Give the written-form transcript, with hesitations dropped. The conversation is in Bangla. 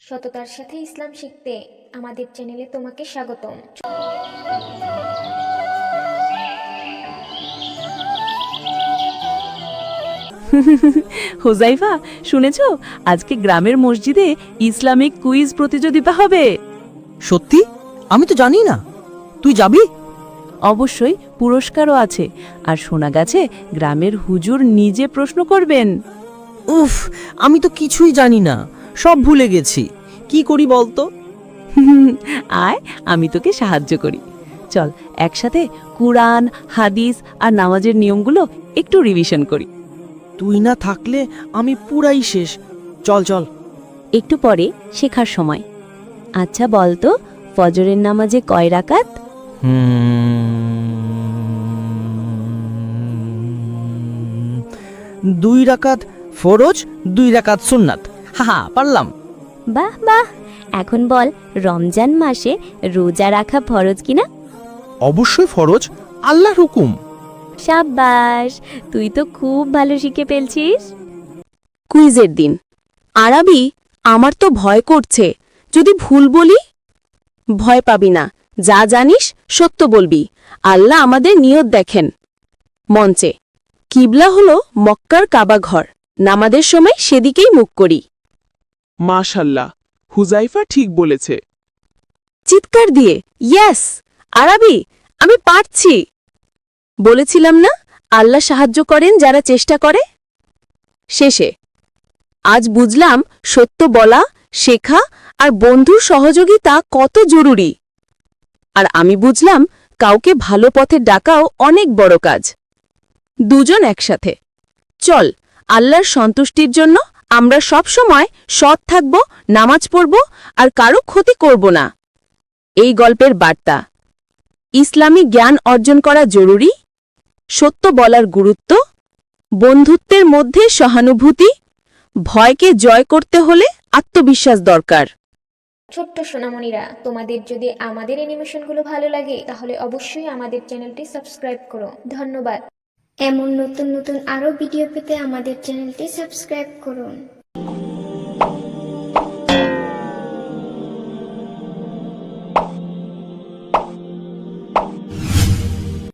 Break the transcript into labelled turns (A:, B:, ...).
A: সততার সাথে ইসলাম শিখতে আমাদের চ্যানেলে তোমাকে স্বাগতম।
B: হোজাইফা, শুনেছো আজকে গ্রামের মসজিদে ইসলামিক কুইজ প্রতিযোগিতা হবে?
C: সত্যি? আমি তো জানি না। তুই যাবি?
B: অবশ্যই, পুরস্কারও আছে। আর শোনা গেছে গ্রামের হুজুর নিজে প্রশ্ন করবেন।
C: উফ, আমি তো কিছুই জানি না, সব ভুলে গেছি। কি করি বলতো?
B: আয়, আমি তোকে সাহায্য করি। চল একসাথে কুরআন, হাদিস আর নামাজের নিয়মগুলো একটু রিভিশন করি।
C: তুই না থাকলে আমি পুরাই শেষ। চল চল।
B: একটু পরে শেখার সময়। আচ্ছা বলতো, ফজরের নামাজে কয় রাকাত?
C: 2 রাকাত ফরজ, 2 রাকাত সুন্নাত। হা পারলাম।
D: বাহ বাহ। এখন বল, রমজান মাসে রোজা রাখা ফরজ কিনা?
E: অবশ্যই ফরজ, আল্লাহর হুকুম।
D: সাব্বাস, তুই তো খুব ভালো শিখে ফেলছিস।
B: কুইজের দিন। আরবি, আমার তো ভয় করছে, যদি ভুল বলি? ভয় পাবি না, যা জানিস সত্য বলবি। আল্লাহ আমাদের নিয়ত দেখেন। মঞ্চে। কিবলা হলো মক্কার কাবা ঘর, নামাজের সময় সেদিকেই মুখ করি।
E: মাশাল্লাহ, হুজাইফা ঠিক বলেছে।
B: চিৎকার দিয়ে ইয়েস! আরবি, আমি পারছি। বলেছিলাম না, আল্লাহ সাহায্য করেন যারা চেষ্টা করে। শেষে আজ বুঝলাম সত্য বলা, শেখা আর বন্ধুর সহযোগিতা কত জরুরি। আর আমি বুঝলাম কাউকে ভালো পথে ডাকাও অনেক বড় কাজ। দুজন একসাথে। চল, আল্লাহর সন্তুষ্টির জন্য আমরা সব সময় সৎ থাকব, নামাজ পড়ব আর কারো ক্ষতি করব না। এই গল্পের বার্তা: ইসলামী জ্ঞান অর্জন করা জরুরি, সত্য বলার গুরুত্ব, বন্ধুত্বের মধ্যে সহানুভূতি, ভয়কে জয় করতে হলে আত্মবিশ্বাস দরকার।
A: ছোট্ট সোনামণিরা, তোমাদের যদি আমাদের অ্যানিমেশনগুলো ভালো লাগে তাহলে অবশ্যই আমাদের চ্যানেলটি সাবস্ক্রাইব করো। ধন্যবাদ। এমন নতুন নতুন আরও ভিডিও পেতে আমাদের চ্যানেলটি সাবস্ক্রাইব করুন।